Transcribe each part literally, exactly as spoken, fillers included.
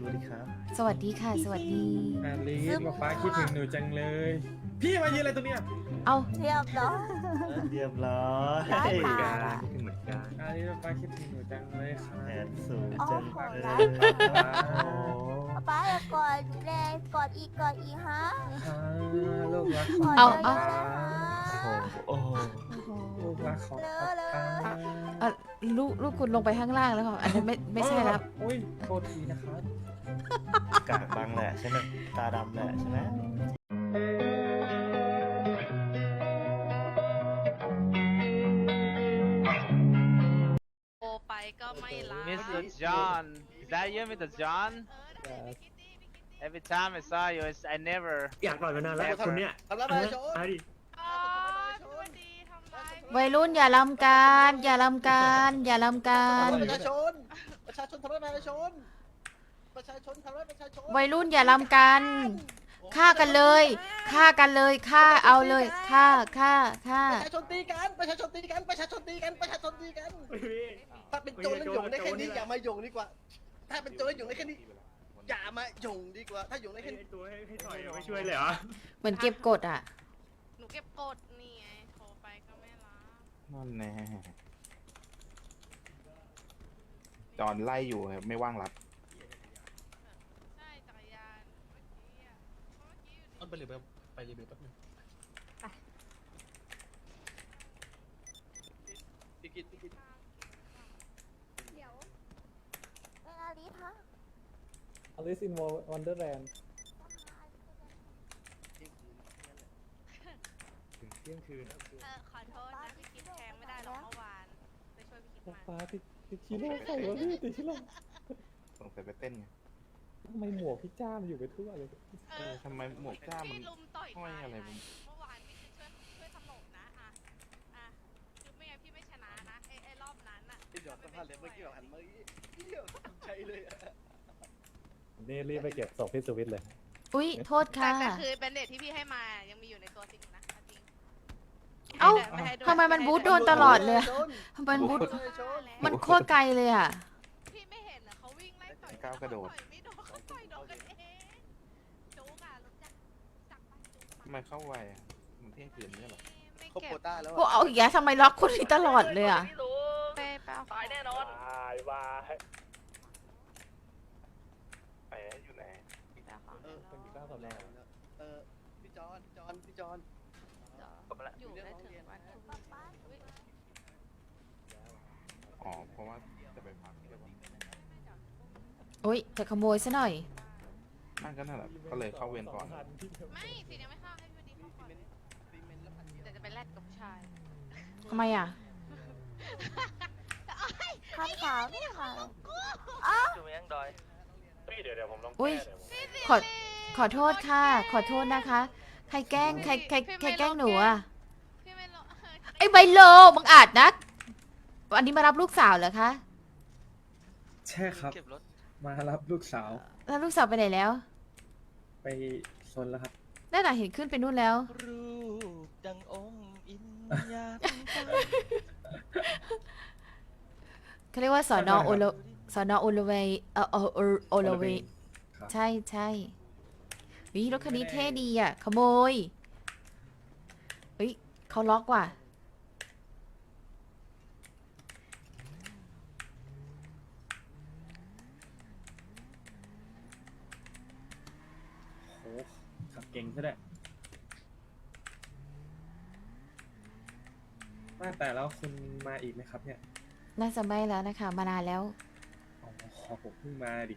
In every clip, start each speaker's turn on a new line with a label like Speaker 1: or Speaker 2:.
Speaker 1: วัสดีครับ
Speaker 2: สวัสดีค่ะ สวัสดี
Speaker 3: อาลิสมาฟ้าคิดถึงหนูจังเลย พี่มายืนอะไรตรงเนี้ย
Speaker 2: เอา
Speaker 4: เรียบร้อย
Speaker 1: เรียบร้อย
Speaker 4: ร้อยบาท
Speaker 1: คิดถึงเหมือนกัน
Speaker 3: อาลิสมาฟ้าคิดถึงหนูจังเลยค่ะ
Speaker 1: แผนสูง
Speaker 4: โอ้
Speaker 1: จัง
Speaker 4: โห
Speaker 1: เล
Speaker 4: ร้าย ย
Speaker 1: โอ้
Speaker 4: ป้าอย่ากอดแรงกอดอีกกอดอีกฮะ
Speaker 3: อ่าลูกรักข
Speaker 4: ก
Speaker 3: อง
Speaker 4: อด
Speaker 3: ป้า
Speaker 4: เยอะๆเลยฮะ
Speaker 1: โอ้โห
Speaker 3: ลูกรักของป้า
Speaker 2: เอ่อลูกลูกคุณลงไปข้างล่างแล้วค่ะ อันนั้นไม่ไม่ใช่แล้ว
Speaker 3: อุ้ยโทษทีนะครับ
Speaker 1: กากบังแหละใช่ไหมตาดำแหละใช่ไหม
Speaker 5: โอไปก็ไม่รัก
Speaker 6: Mister John, is that you, Mister John? Every time I saw you, it's, I never.
Speaker 7: อยากต่อยมานานแล้วคุณเนี่ย
Speaker 8: ทำร้ายประชาชน
Speaker 7: มาดิ
Speaker 5: อ๋อพี่วันดีทำร้าย
Speaker 2: วัยรุ่นอย่าลำการอย่าลำการอย่าลำการ
Speaker 8: ประชาชน ประชาชนทำร้ายประชาชน ประชาชนทำร้ายประชาชน
Speaker 2: วัยรุ่นอย่าลำกันฆ่ากันเลยฆ่ากันเลยฆ่าเอาเลยฆ่าฆ่าฆ่า
Speaker 8: ประชาชนตีกัน ประชาชนตีกัน ประชาชนตีกัน ประชาชนตีกัน ถ้าเป็นโจรแล้วหยงได้แค่นี้อย่ามาหยงดีกว่า ถ้าเป็นโจรแล้วหยงได้แค่นี้ อย่ามาหยงดีกว่า ถ้าหยงได้แค่นี้
Speaker 7: ตัวให้ให้ต่อยไม่ช่วยเลยเหรอ
Speaker 2: เหมือนเก็บกดอ่ะ
Speaker 5: หนูเก็บกดนี่ไงโทรไปก็ไม่รับ
Speaker 9: นั่นแน่จอนไล่อยู่ครับไม่ว่างรับ
Speaker 5: ใช่จักรยานเมื่อกี้อ่ะเมื่อกี้อยู่
Speaker 8: ต้นไปหรือไปไปรีวิวแป๊บนึงพี่กิตพี่กิต
Speaker 4: เดี๋ยวเป็นอาลิสฮะ
Speaker 3: Alice in Wonderland
Speaker 7: ถึงเที่ยงคืน
Speaker 5: เออขอโทษนะพี่คิดแทงไม่ได้หรอกเมื่อวานไปช่วยพี่คิดมา
Speaker 3: ฟ้าติดติดชิโร่ใส่วะพี่ติดชิโร่
Speaker 9: สงสัยไปเต้นไง
Speaker 3: ทำไมหมวกพี่จ้ามันอยู่ไปทั่วเลย
Speaker 9: เออทำไมหมวกจ้ามัน
Speaker 5: พี่ลุมต่อย
Speaker 9: ห้อยอะไร
Speaker 5: ตาย
Speaker 9: ผม
Speaker 5: เมื่อวานพี่คิดช่วยช่วยถล่มนะอ่ะอ่ะคือไม่งั้นพี่ไม่ชนะนะไอ้ไอ้รอบนั้นอ่ะ
Speaker 8: พี่หยอดสัมภาษณ์เลยเมื่อกี้แบบหันมาอีเหี้ยใจเลยอะ
Speaker 3: นี่รีบไปเก็บศพพี่สวิตเลย
Speaker 2: อุ๊ยโทษ
Speaker 5: แต่
Speaker 2: ค่ะ
Speaker 5: แต่คือเบนเดตที่พี่ให้มายังมีอยู่ในตัวจริงนะเอาจริง
Speaker 2: เอ้า
Speaker 5: ไให้ด้วย
Speaker 2: ทำไมมันบูทโดนตลอดเลยอะทำไมมันบูท
Speaker 8: ประชาชน
Speaker 2: มันโคตรไกลเลยอ่ะ
Speaker 5: พี่ไม่เห็นเหรอเขาวิ่งไล่ต่อย
Speaker 9: ก้าวกระโดด
Speaker 5: ต่อยไม่โดนเขาต่อยโดนกันเองจุกอ่ะรู้จักจักปะจุก
Speaker 9: ทำไมเข้าไวอ่ะมันเที่ยงคืนเนี่ยเหรอ
Speaker 5: ไม่
Speaker 8: เขา
Speaker 5: เก็
Speaker 8: โค
Speaker 5: บ
Speaker 8: ต้าแล้ว
Speaker 2: พวกเอาอีกแล้วทำไมล็อกคนนี้ตลอดเลยอ่ะ
Speaker 5: ไปเปล่าตายแน่นอน
Speaker 7: ตายว่ะ
Speaker 9: ไปอยู่ไหน
Speaker 8: เออเป็นกี่บ้าตอนแรกเออพี่จอนพี่จอนพี่จอน
Speaker 5: อยู่ได้ถึงวันพรุ่งนี้
Speaker 9: อ๋อเพราะว่าจะไปพักใช่ปะ
Speaker 2: อุ๊ยจะขโมยซะหน่อย
Speaker 9: นั่นก็นั่นแหละก็เลยเข้าเวรก่อน
Speaker 5: ไม่สิยังไม่เข้าให้พี่ดีเข้าก่อนเดี๋ยวจะไปแลกกับผู้ชาย
Speaker 2: ทำไมอ่ะ
Speaker 4: คำถามค่ะ
Speaker 7: เดี๋ยวเดี๋ยวผมลอง
Speaker 2: อุ๊ย ขอขอโทษค่ะ ขอโทษนะคะ ใครแกล้งใครใครใครแกล้งหนูอ่ะ
Speaker 5: พี่ไม่รู้
Speaker 2: ไอ้ใบโลมึงอาจนักวันนี้มารับลูกสาวเหรอคะ
Speaker 3: ใช่ครับ มารับลูกสาว
Speaker 2: แล้วลูกสาวไปไหนแล้ว
Speaker 3: ไปซนแล้วครับ
Speaker 2: นั่นน่ะเห็นขึ้นไปนู่นแล้ว
Speaker 8: รูปดังองค์อินยา
Speaker 2: เขาเรียกว่าสอนอโอโลสอนอโอโลเวย์เออโอโอโอโลเวย์
Speaker 3: ครับ
Speaker 2: ใช่ใช่วิรถคันนี้เท่ดีอ่ะ ขโมยเฮ้ยเขาล็อกว่ะ
Speaker 3: โหขับเก่งซะด้วยว่าแต่แล้วคุณมาอีกไหมครับเนี่ย
Speaker 2: น่าจะไม่แล้วนะคะ มานานแล้ว
Speaker 3: อ๋อผมเพิ่งมาดิ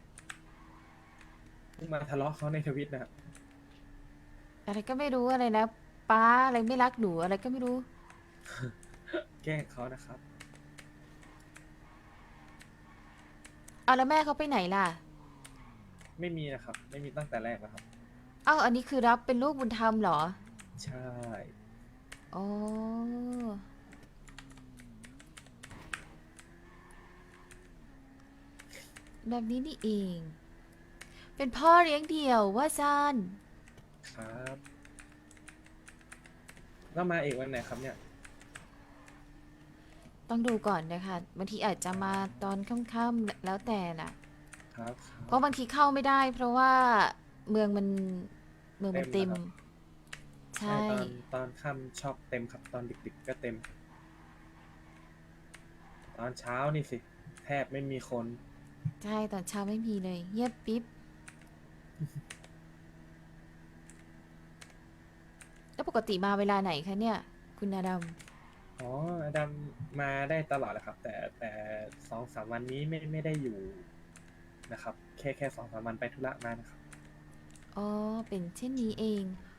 Speaker 3: เพิ่งมาทะเลาะเขาในทวิตนะครับ
Speaker 2: อะไรก็ไม่รู้อะไรนะป้าอะไรไม่รักหนูอะไรก็ไม่รู้
Speaker 3: แกล้งเขานะครับ
Speaker 2: เอาแล้วแม่เขาไปไหนล่ะ
Speaker 3: ไม่มีนะครับ ไม่มีตั้งแต่แรกแล้วครับ
Speaker 2: เอ้าอันนี้คือรับเป็นลูกบุญธรรมเหรอ
Speaker 3: ใช่
Speaker 2: อ๋อแบบนี้นี่เอง เป็นพ่อเลี้ยงเดี่ยวว่าซาน
Speaker 3: ครับแล้วมาอีกวันไหนครับเนี่ย
Speaker 2: ต้องดูก่อนนะคะบางทีอาจจะมาตอนค่ำๆแล้วแต่น่ะ
Speaker 3: ครับ
Speaker 2: เพราะบางทีเข้าไม่ได้ เพราะว่าเมืองมันเมืองมัน
Speaker 3: เต็
Speaker 2: เต็
Speaker 3: ม
Speaker 2: ม
Speaker 3: นะครับ
Speaker 2: ใช่
Speaker 3: ตอนตอนค่ำชอบเต็มครับตอนดึกๆก็เต็ม ตอนเช้านี่สิ แทบไม่มีคน
Speaker 2: ใช่ตอนเช้าไม่มีเลย เงียบปิ๊บ แล้วปกติมาเวลาไหนคะเนี่ย คุณอาดัม
Speaker 3: อ๋ออดัมมาได้ตลอดแหละครับ แต่แต่สองสามวันนี้ไม่ไม่ได้อยู่นะครับ แค่แค่สองสามวันไปธุระมานะครับ
Speaker 2: อ๋อ เป็นเช่นนี้เอง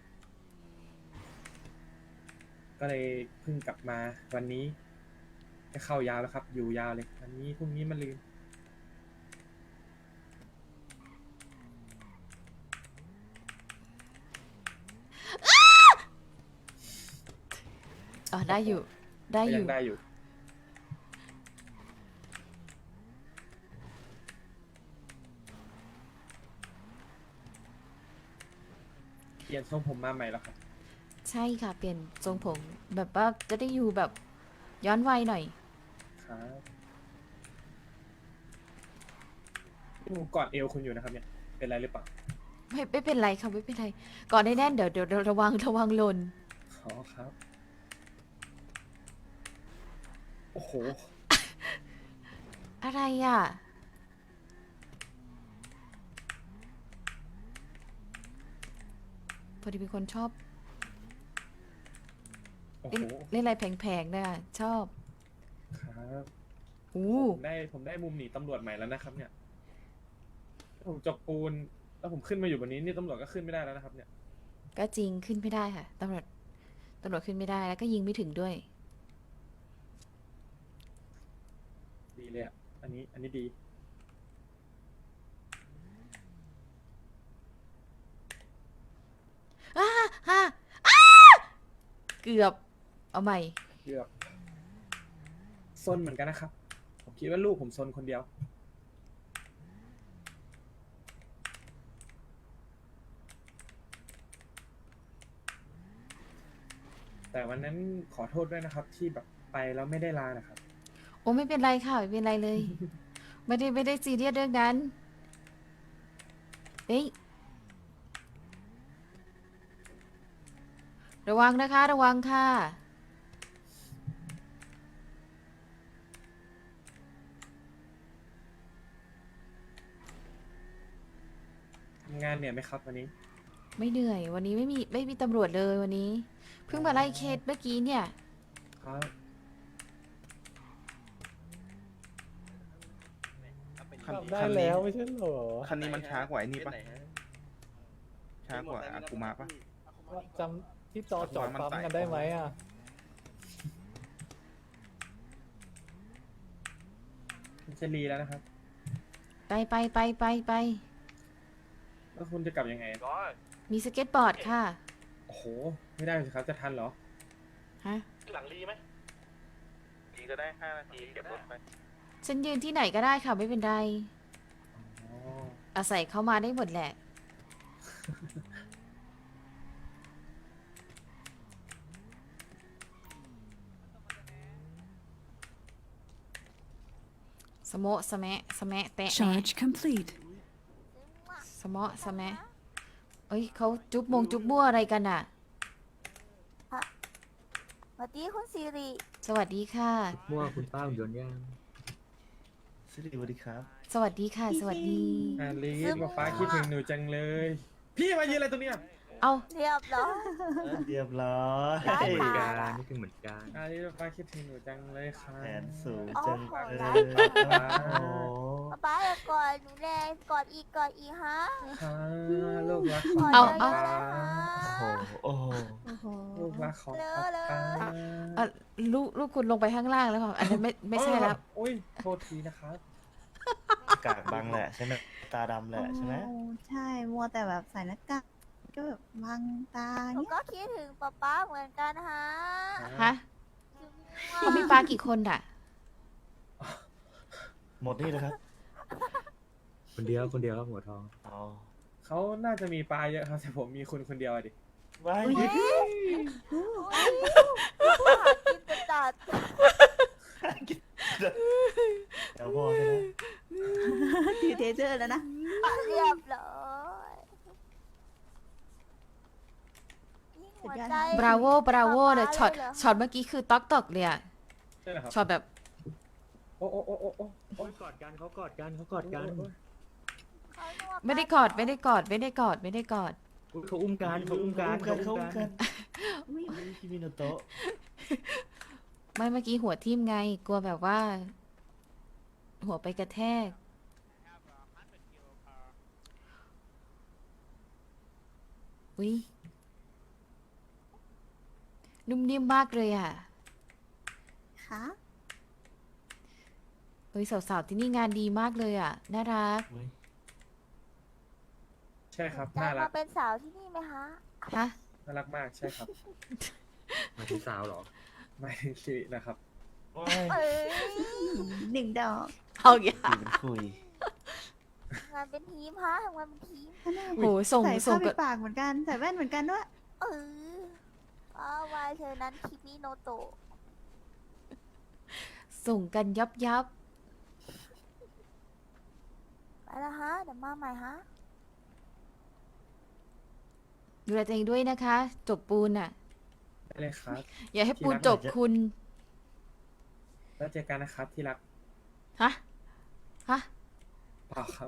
Speaker 3: ก็เลยเพิ่งกลับมาวันนี้จะเข้ายาวแล้วครับ อยู่ยาวเลยวันนี้พรุ่งนี้มาลืม
Speaker 2: อ๋อ ได้อยู่ ได้
Speaker 3: ก็
Speaker 2: อ
Speaker 3: ยั
Speaker 2: ยู่
Speaker 3: งได้อยู่ เปลี่ยนทรงผมมาใหม่แล้วครับ
Speaker 2: ใช่ค่ะ เปลี่ยนทรงผม แบบว่าจะได้อยู่แบบย้อนวัยหน่อย
Speaker 3: ครับพี่หมูกอดเอวคุณอยู่นะครับเนี่ย เป็นไรหรือเปล่า
Speaker 2: ไม่ไม่เป็นไรค่ะไม่เป็นไร ก่อนได้แน่นเดี๋ยวเดี๋ยวเดี๋ยวระวังระวังหล่น
Speaker 3: อ๋อครับ โอ้โห
Speaker 2: อะไรอ่ะ พอดีเป็นคนชอบ
Speaker 3: โอ้
Speaker 2: เล่น
Speaker 3: โห
Speaker 2: เล่นอะไรแผงๆนะชอบ
Speaker 3: ครับ
Speaker 2: อู้
Speaker 3: ผมได้ผมได้มุมหนีตำรวจใหม่แล้วนะครับ เนี่ย ผมจกปูน แล้วผมขึ้นมาอยู่บนนี้นี่ตำรวจก็ขึ้นไม่ได้แล้วนะครับ เนี่ย
Speaker 2: ก็จริงขึ้นไม่ได้ค่ะตำรวจตำรวจขึ้นไม่ได้แล้วก็ยิงไม่ถึงด้วย
Speaker 3: ดีเลยอ่ะ อันนี้ อันนี้ดี
Speaker 2: อ้าฮ่าอ้าเกือบ เอาใหม่
Speaker 3: เกือบซนเหมือนกันนะครับ ผมคิดว่าลูกผมซนคนเดียว แต่วันนั้นขอโทษด้วยนะครับ ที่แบบไปแล้วไม่ได้ลานะครับ
Speaker 2: โอ้ไม่เป็นไรค่ะไม่เป็นไรเลย ไม่ได้ไม่ได้ซีเรียสเรื่องนั้นเฮ้ยระวังนะคะ ระวังค่ะ
Speaker 3: ทำงานเหนื่อยไหมครับวันนี้
Speaker 2: ไม่เหนื่อย วันนี้ไม่มีไม่มีตำรวจเลยวันนี้ เพิ่งมาไล่เคสเมื่อกี้เนี่ย
Speaker 3: ครับ
Speaker 9: คัน
Speaker 3: ได้
Speaker 9: คัน
Speaker 3: แล้
Speaker 9: นี้
Speaker 3: วไม่ใช่เหรอ
Speaker 9: คันนี้มันช้ากว่าไอ้นี่ปะช้ากว่าอากูมาปะ
Speaker 3: จำที่จอจอดปั๊มกันได้ไหมอ่ะ จะรีแล้วนะครับ
Speaker 2: ไปไปไปไปไป
Speaker 3: แล้วคุณจะกลับยังไง
Speaker 2: มีสเก็ตบอร์ดค่ะ
Speaker 3: โอ้โห ไม่ได้สิครับ จะทันเหรอ
Speaker 2: ฮะ
Speaker 7: หลังรีไหม
Speaker 9: ดีก็ได้ห้านาทีเก็บรถไป
Speaker 2: ฉันยืนที่ไหนก็ได้ค่ะไม่เป็นไร
Speaker 3: อ๋อ
Speaker 2: อาศัยเข้ามาได้หมดแหละ สมะสะแมะสะแมะแตะแมะ
Speaker 10: Charge complete.
Speaker 2: สมะสะแมะเอ้ยเขาจุ๊บมงจุ๊บมั่วอะไรกันอ่ะ
Speaker 4: สวัสดีคุณซีรี
Speaker 2: สวัสดีค่ะ
Speaker 11: มั่วคุณป้าหุ่นยนต์ย่าง
Speaker 1: สวัสดีสวัสดีครับ
Speaker 2: สวัสดีค่ะ สวัสดี
Speaker 3: อาลีสมาฟ้าคิดถึงหนูจังเลย พี่มายืนอะไรตรงเนี้ย
Speaker 2: เอา
Speaker 4: เรียบร้อย
Speaker 1: เรียบร้อย
Speaker 4: ได้
Speaker 11: เหมือน
Speaker 4: ค่ะ
Speaker 11: กันนี่คือเหมือนกัน
Speaker 3: อาลีสมาฟ้าคิดถึงหนูจังเลยค่ะ
Speaker 1: แผนสูง
Speaker 4: โอ้
Speaker 1: จัง
Speaker 4: โห
Speaker 1: เล
Speaker 4: ได้
Speaker 1: ย
Speaker 4: ค่ะ
Speaker 1: โอ้โห
Speaker 4: ป๊าป๊าอย่ากอดหนูแรงกอดอีกกอดอีกฮะ
Speaker 3: ค่ะลูกรักข
Speaker 4: ก
Speaker 3: อง
Speaker 4: อด
Speaker 3: ป้า
Speaker 4: เยอะๆเลย
Speaker 1: โอ้
Speaker 4: ฮะ
Speaker 1: โหโอ้โห
Speaker 3: ลูกรักของ
Speaker 4: เล
Speaker 3: ป้า
Speaker 4: อะเลย
Speaker 2: อ่ะลูกลูกคุณลงไปข้างล่างแล้วค่ะอันนั้นไม่ไม่ใช่แล้ว
Speaker 3: อุ้ยโทษทีนะครับ
Speaker 1: กากบังแหละใช่ไหมตาดำแหละใช่ไหม
Speaker 10: โอ้ใช่ มัวแต่แบบใส่หน้ากากก็แบบบังตา
Speaker 4: หนู
Speaker 10: เนี่ย
Speaker 4: ก็คิดถึงป๊าป๊าเหมือนกันฮะ
Speaker 2: ฮะเขามีปลากี่คนอ่ะ
Speaker 1: หมดนี่เลยครับ
Speaker 11: คนเดียวคนเดียวครับหัวทอง
Speaker 1: อ๋อ
Speaker 3: เขาน่าจะมีปลาเยอะครับแต่ผมมีคุณคนเดียวอะดิ
Speaker 1: ไว้
Speaker 4: หากินจะจัด
Speaker 1: เดี๋ยวพอใช่ไหม
Speaker 10: ถือเทเซอร์แล้วนะ
Speaker 4: เรียบร้อยยิ่งหัวใจ
Speaker 2: บราโวบราโวเลยช็อต
Speaker 4: เลยเหรอ
Speaker 2: ช็อตเมื่อกี้คือต๊อกตอกเลยอะ
Speaker 3: ใช่ไหมครับ
Speaker 2: ช็อตแบบ
Speaker 3: โอ้โอ้โอ้โอ้โอ้
Speaker 11: โอ้ยกอดกันเขากอดกันเขากอดกัน
Speaker 4: เขานว
Speaker 2: ไม่ได้กอดไม่ได้กอดไม่ได้กอดไม่ได้กอด
Speaker 11: อุ๊ยเขาอุ้มกันเขาอุ้มกัน
Speaker 1: เขา
Speaker 11: เขา
Speaker 1: อุ้
Speaker 11: อุ้
Speaker 1: ม
Speaker 11: ม
Speaker 1: กั
Speaker 11: กัน น
Speaker 10: อุ๊ย
Speaker 1: คิมิโนโตะ
Speaker 2: ไม่เมื่อกี้หัวทิ่มไง กลัวแบบว่า หัวไปกระแทก อุ้ยนุ่มนิ่มมากเลยอ่ะ
Speaker 10: ค่ะ
Speaker 2: เฮ้ยสาวๆที่นี่งานดีมากเลยอ่ะ น่ารัก
Speaker 1: เว้ย
Speaker 3: ใช่ครับ
Speaker 4: จะ
Speaker 3: น่ารั
Speaker 4: มาก เป็นสาวที่นี่ไหมคะ
Speaker 2: ฮะ
Speaker 3: น่ารักมากใช่ครับ
Speaker 11: มาถึงสาวเหรอ
Speaker 3: ไม่ชีวิตนะครับ
Speaker 1: โอ้ย
Speaker 4: เอ้ย
Speaker 10: หนึ่งดอก
Speaker 2: เอาอย่า
Speaker 1: คุยเป็นคุย
Speaker 4: ทำงานเป็นทีมฮะทำงานเป็นทีม
Speaker 2: โหส่ง
Speaker 10: ใส่
Speaker 2: ส่
Speaker 10: ผ้าง ปิ
Speaker 2: กั
Speaker 10: ด
Speaker 2: บ
Speaker 10: ปากเหมือนกัน ใส่แว่นเหมือนกันด้วย
Speaker 4: เอออ้าววายเธอนั้นคิมิโนโตะ
Speaker 2: ส่งกันยับยับ
Speaker 4: ไปแล้วฮะ เดี๋ยวมาใหม่ฮะ
Speaker 2: ดูแลตัวเองด้วยนะคะ จบปูนอ่ะ
Speaker 3: ได้เลยครับ
Speaker 2: อย่าให้ปูนจบคุณ
Speaker 3: แล้วเจอกันนะครับที่รัก
Speaker 2: ฮะ ฮะ
Speaker 3: เปล่าครับ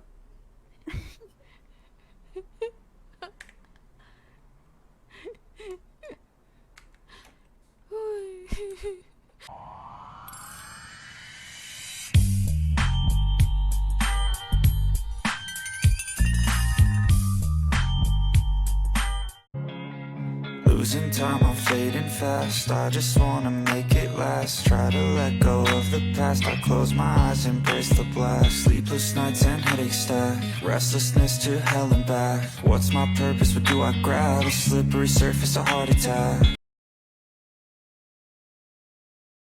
Speaker 12: Losing time, I'm fading fast. I just wanna make it last. Try to let go of the past. I close my eyes, embrace the blast. Sleepless nights and headaches stack. Restlessness to hell and back. What's my purpose? What do I grab? A slippery surface, a heart attack.